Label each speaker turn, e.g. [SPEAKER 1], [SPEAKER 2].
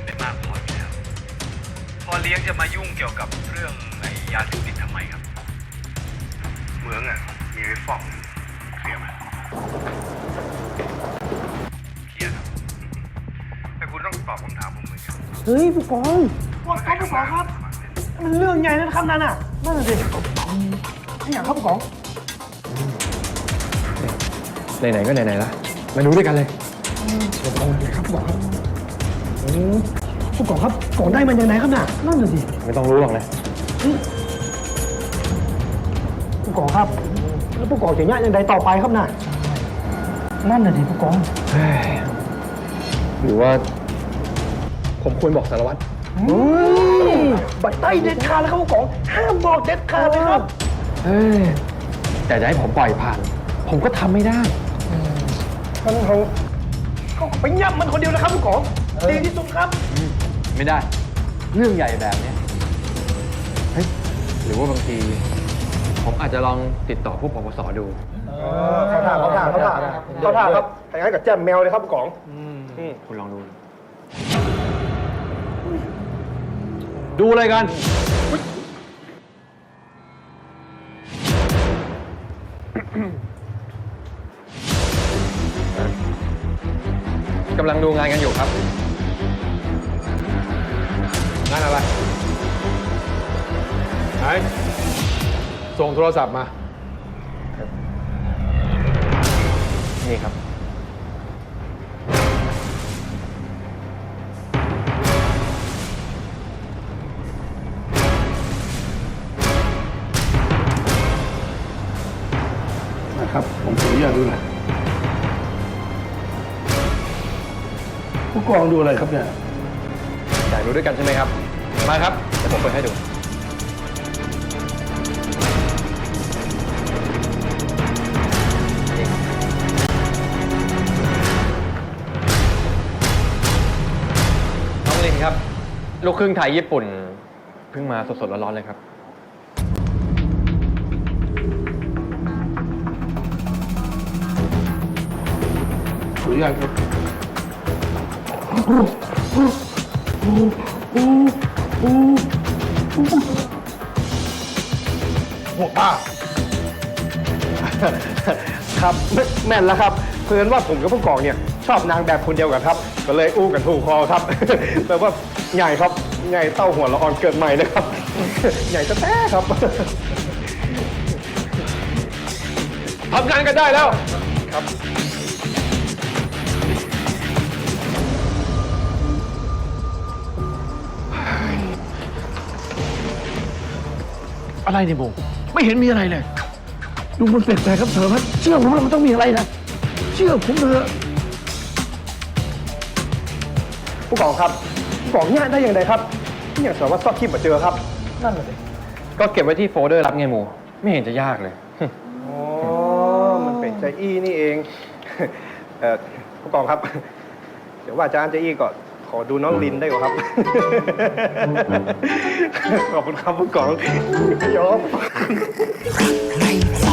[SPEAKER 1] ขึ้นไปมากพออยู่แล้วพอเลี้ยงจะมายุ่งเกี่ยวกับเรื่องไอ้ยาเสพติดทำไมครับเหมืองอ่ะมีไว้ฟอกเคลียร์ไหมเคลียร์ครับแต่คุณต้องตอบคำถามผมเหมือนกัน
[SPEAKER 2] เฮ้ยผู้กองผู้กองครับมันเรื่องใหญ่นะครับนั่นน่ะนั่นน่ะสิไอ้อย่างครับผู้กอง
[SPEAKER 3] ไหนๆก็ไหนๆละมาดูด้วยกันเลย
[SPEAKER 2] ผู้กองเลยครับผู้กองครับผู้กองครับกองได้มันยังไงครับน่ะนั่นน่ะสิ
[SPEAKER 3] ไม่ต้องรู้หรอกนะ
[SPEAKER 2] ผู้กองครับแล้วผู้กองจะย่ายังไงต่อไปครับน่ะนั่นน่ะสิผู้กอง
[SPEAKER 3] หรือว่าผมควรบอกสารวัตร
[SPEAKER 2] บัตรใต้เด็ดขาดแล้วครับผู้กองห้ามบอกเด็ดขาดเลยครับ
[SPEAKER 3] แต่จะให้ผมปล่อยผ่าน ผมก็ทำไม่ได้
[SPEAKER 2] มันเขาไปย่ำมันคนเดียวนะครับผู้กองดีที่สุดครับ
[SPEAKER 3] ไม่ได้ เรื่องใหญ่แบบเนี้ยเฮ้ยหรือว่าบางทีผมอาจจะลองติดต่อผู้ปปสดู
[SPEAKER 2] เขาถ่าครับแต่งั้นกับแจมแมวเลยครับผู้กอง
[SPEAKER 3] คุณลองดู ดูอะไรกัน กำลังดูงานกันอยู่ครับ
[SPEAKER 4] งานอะไรไหนส่งโทรศัพท์มา
[SPEAKER 3] นี่ครับ
[SPEAKER 4] นะครับ ผมขออนุญาตดูหน่อยผู้กองดูอะไรครับเนี่ย
[SPEAKER 3] อยากดูด้วยกันใช่ไหมครับ มาครับ เดี๋ยวผมเปิดให้ดู น้องลินครับ ลูกครึ่งไทยญี่ปุ่น เพิ่งมาสดๆร้อนๆเลยครับ
[SPEAKER 4] ขออนุญาตครับ หัวป้า
[SPEAKER 2] ครับแม่นแล้วครับเพื่อนว่าผมกับผู้กองเนี่ยชอบนางแบบคนเดียวกันครับ ก็เลยอู้กันถูกคอครับ แปลว่าใหญ่ครับใหญ่เต้าหัวละอ่อนเกิดใหม่นะครับ ใหญ่แท้ๆครับ
[SPEAKER 4] ทำงานกันได้แล้ว
[SPEAKER 2] อะไรเนี่ยโบไม่เห็นมีอะไรเลยดูมันแปลกๆครับเถอะพัดเชื่อผมว่ามันต้องมีอะไรนะเชื่อผมเถอะผู้กองครับผู้กองเนี่ยได้อย่างไรครับที่อย่างสารวัตรซอกคลิปมาเจอครับนั่นเลย
[SPEAKER 3] ก็เก็บไว้ที่โฟลเดอร์รับไงหมู ไม่เห็นจะยากเลย
[SPEAKER 2] อ๋อมันเป็นใจอี้นี่เอง ผู้กองครับ เดี๋ยวว่าอาจารย์ใจอี้ก่อนขอดูน้องลินได้ก่อนครับ ขอบคุณครับผู้กองยอม
[SPEAKER 5] ใคร